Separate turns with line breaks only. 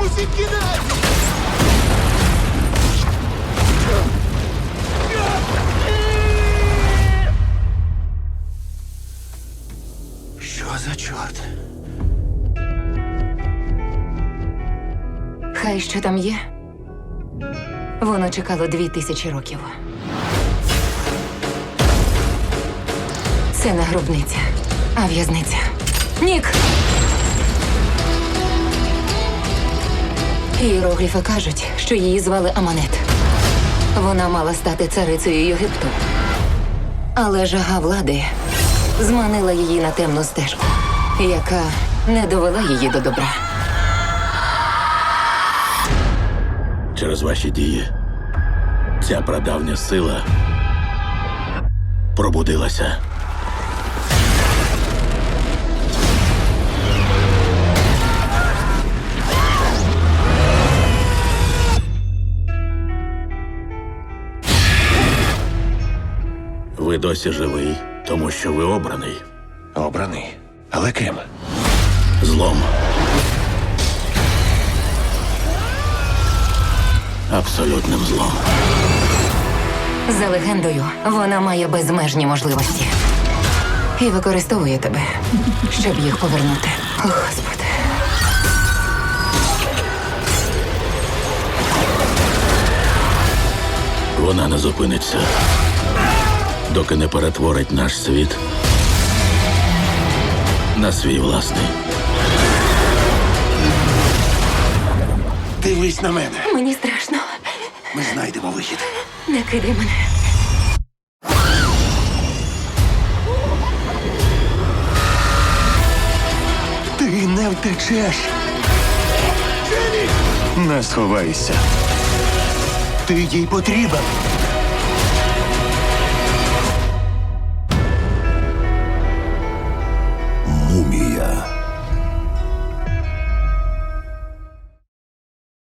Усім кидайся! Що за чорт?
Хай що там є. Воно чекало 2000 років. Це не гробниця, а в'язниця. Нік! Іерогліфи кажуть, що її звали Аманет. Вона мала стати царицею Єгипту. Але жага влади зманила її на темну стежку, яка не довела її до добра.
Через ваші дії ця прадавня сила пробудилася. Ви досі живий, тому що ви обраний.
Обраний. Але ким?
Злом. Абсолютним злом.
За легендою, вона має безмежні можливості. І використовує тебе, щоб їх повернути. О, Господи.
Вона не зупиниться, доки не перетворить наш світ на свій власний.
Дивись на мене.
Мені страшно.
Ми знайдемо вихід.
Не кидай мене.
Ти не втечеш. Не сховайся. Ти їй потрібен.